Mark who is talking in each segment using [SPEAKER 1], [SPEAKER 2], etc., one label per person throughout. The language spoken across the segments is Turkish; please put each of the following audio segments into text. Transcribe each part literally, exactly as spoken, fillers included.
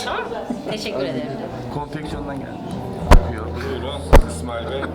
[SPEAKER 1] Tamam. Teşekkür ederim.
[SPEAKER 2] Konfeksiyondan geldi. Bakıyor.
[SPEAKER 3] Buyurun İsmail Bey.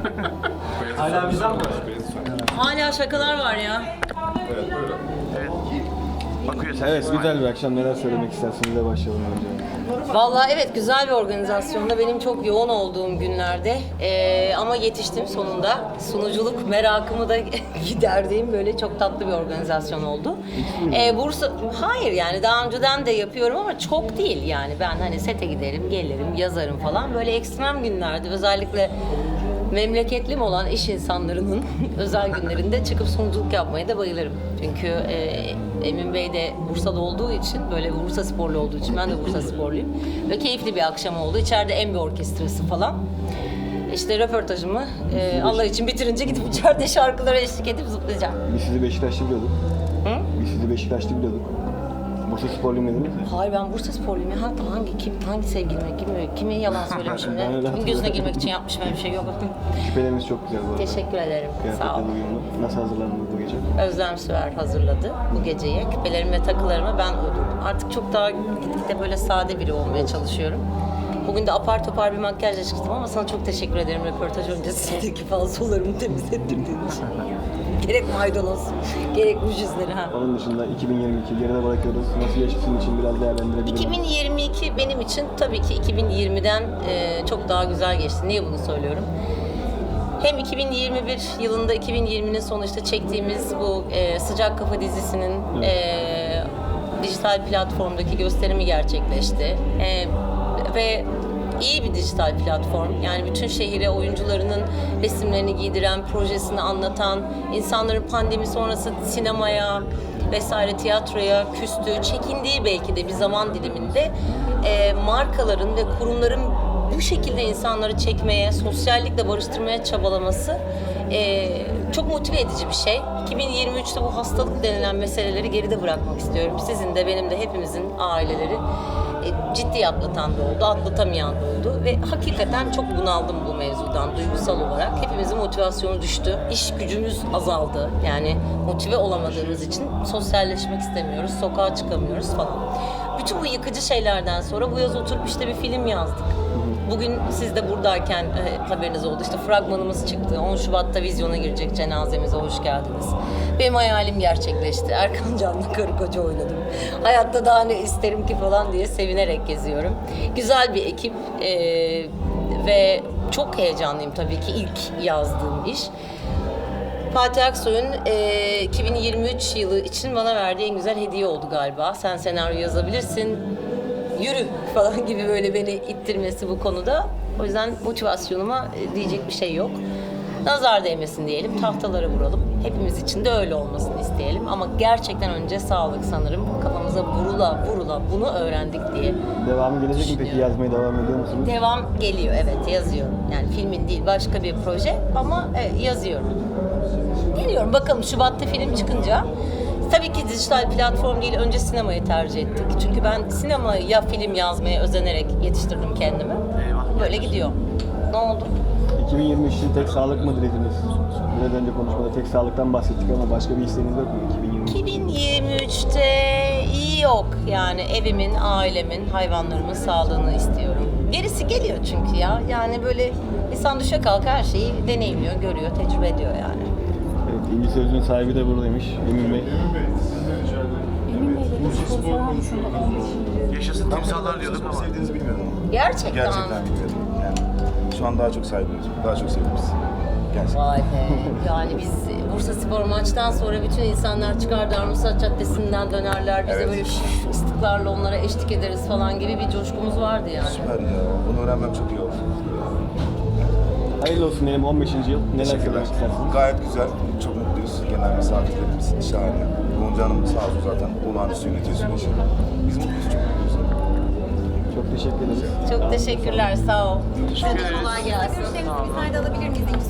[SPEAKER 2] Hala bizden mi var?
[SPEAKER 1] Hala şakalar var ya.
[SPEAKER 3] Evet buyurun.
[SPEAKER 2] Evet. Bakıyor sen.
[SPEAKER 4] Evet, güzel bir akşam. Neler söylemek istersiniz de başlayalım önce.
[SPEAKER 1] Vallahi evet, güzel bir organizasyonda, benim çok yoğun olduğum günlerde ee, ama yetiştim sonunda. Sunuculuk merakımı da giderdiğim böyle çok tatlı bir organizasyon oldu. Ee, Bursa, hayır yani daha önceden de yapıyorum ama çok değil yani. Ben hani sete giderim, gelirim, yazarım falan. Böyle ekstrem günlerde, özellikle memleketlim olan iş insanlarının özel günlerinde çıkıp sunuculuk yapmaya da bayılırım. Çünkü e, Emin Bey de Bursa'da olduğu için, böyle Bursa sporlu olduğu için, ben de Bursa sporluyum. Ve keyifli bir akşam oldu. İçeride en bir orkestrası falan. İşte röportajımı e, Allah için bitirince gidip içeride şarkılara eşlik edip zıplayacağım.
[SPEAKER 4] Biz sizi Beşiktaşlı biliyorduk.
[SPEAKER 1] Hı?
[SPEAKER 4] Biz sizi Beşiktaşlı biliyorduk. Bursa sporluyum dediniz mi?
[SPEAKER 1] Hayır, ben Bursa sporluyum ya. Hangi, hangi kim hangi sevgilime, kim kime yalan söylemişim
[SPEAKER 4] Ben
[SPEAKER 1] de.
[SPEAKER 4] öyle
[SPEAKER 1] Kimin gözüne
[SPEAKER 4] hatırlıyorum.
[SPEAKER 1] girmek için yapmışım, öyle bir şey yok.
[SPEAKER 4] Küpeleriniz çok güzel bu arada.
[SPEAKER 1] Teşekkür ederim. Sağ ol.
[SPEAKER 4] Kıyafetle uyumlu. Nasıl hazırlandınız bu gece?
[SPEAKER 1] Özlem Süer hazırladı bu geceye. Küpelerimi ve takılarımı ben uydurdum. Artık çok daha gitgide böyle sade biri olmaya çalışıyorum. Bugün de apar topar bir makyajla çıktım ama sana çok teşekkür ederim röportaj öncesindeki falsolarımı temizlettirdiğin için. Gerek maydanoz, gerek ruj izleri. Ha.
[SPEAKER 4] Onun dışında iki bin yirmi iki geride bırakıyoruz. Nasıl geçti sizin için biraz değerlendirebilir
[SPEAKER 1] iki bin yirmi iki benim için tabii ki iki bin yirmiden e, çok daha güzel geçti. Niye bunu söylüyorum? Hem iki bin yirmi bir yılında, iki bin yirminin sonu işte çektiğimiz bu e, Sıcak Kafa dizisinin e, dijital platformdaki gösterimi gerçekleşti. E, ve iyi bir dijital platform. Yani bütün şehire oyuncularının resimlerini giydiren, projesini anlatan, insanların pandemi sonrası sinemaya vesaire tiyatroya küstüğü, çekindiği belki de bir zaman diliminde e, markaların ve kurumların bu şekilde insanları çekmeye, sosyallikle barıştırmaya çabalaması e, çok motive edici bir şey. iki bin yirmi üçte bu hastalık denilen meseleleri geride bırakmak istiyorum. Sizin de, benim de, hepimizin aileleri e, ciddi atlatan da oldu, atlatamayan da oldu ve hakikaten çok bunaldım bu mevzudan duygusal olarak. Hepimizin motivasyonu düştü, iş gücümüz azaldı. Yani motive olamadığımız için sosyalleşmek istemiyoruz, sokağa çıkamıyoruz falan. Bütün bu yıkıcı şeylerden sonra bu yaz oturup işte bir film yazdık. Bugün siz de buradayken e, haberiniz oldu. İşte fragmanımız çıktı. on Şubat'ta vizyona girecek Cenazemize Hoş Geldiniz. Benim hayalim gerçekleşti. Erkan Can'la karı koca oynadım. Hayatta daha ne isterim ki falan diye sevinerek geziyorum. Güzel bir ekip e, ve çok heyecanlıyım tabii ki, ilk yazdığım iş. Fatih Aksoy'un e, iki bin yirmi üç yılı için bana verdiği en güzel hediye oldu galiba. Sen senaryo yazabilirsin, yürü falan gibi böyle beni ittirmesi bu konuda. O yüzden motivasyonuma e, diyecek bir şey yok. Nazar değmesin diyelim, tahtalara vuralım. Hepimiz için de öyle olmasını isteyelim. Ama gerçekten önce sağlık sanırım. Kafamıza vurula vurula bunu öğrendik diye.
[SPEAKER 4] Devamı gelecek mi peki? Yazmaya devam ediyor musunuz?
[SPEAKER 1] Devam geliyor, evet, yazıyorum. Yani filmin değil, başka bir proje ama e, yazıyorum. Geliyorum bakalım, Şubat'ta film çıkınca. Tabii ki dijital platform değil, önce sinemayı tercih ettik. Çünkü ben sinemaya film yazmaya özenerek yetiştirdim kendimi. Böyle gidiyor. Ne oldu?
[SPEAKER 4] iki bin yirmi üç için tek sağlık mı dilediniz? Biraz önce konuşmada tek sağlıktan bahsettik ama başka bir isteğiniz yok mu iki bin yirmi üç?
[SPEAKER 1] iki bin yirmi üçte iyi yok. Yani evimin, ailemin, hayvanlarımın sağlığını istiyorum. Gerisi geliyor çünkü ya. Yani böyle insan düşe kalka her şeyi deneyimliyor, görüyor, tecrübe ediyor yani.
[SPEAKER 4] Evet, İnci Sözlüğün sahibi de buradaymış. Emin Bey.
[SPEAKER 2] Yaşasın timsahlar diyorduk ama.
[SPEAKER 5] Sevdiğinizi bilmiyordum.
[SPEAKER 1] Gerçekten.
[SPEAKER 5] Gerçekten bilmiyordum. Yani şu an daha çok saygılıyoruz. Daha çok seviyoruz. Gerçekten.
[SPEAKER 1] Vay be. Yani biz Bursa Spor maçtan sonra bütün insanlar çıkar Darmstadt Caddesi'nden dönerler. Bize
[SPEAKER 5] Evet.
[SPEAKER 1] böyle şş, ıslıklarla onlara eşlik ederiz falan gibi bir coşkumuz vardı yani.
[SPEAKER 5] Süper ya. Bunu öğrenmem çok iyi oldu.
[SPEAKER 4] Hayırlı olsun diyelim on beşinci yıl. Neler
[SPEAKER 5] Teşekkürler.
[SPEAKER 4] söylemek istersiniz?
[SPEAKER 5] Gayet güzel. Çok mutluyuz. Genel misafirlerimiz şahane. Gonca Hanım sağ olsun zaten olağanüstü yönetiyor süreci. Biz mutluyuz, çok mutluyuz.
[SPEAKER 4] Çok teşekkür ederiz.
[SPEAKER 1] Çok teşekkürler, sağ ol.
[SPEAKER 2] Teşekkür ederiz.
[SPEAKER 1] Kolay gelsin.
[SPEAKER 6] Müşterimizi biz nerede alabilir miyiz?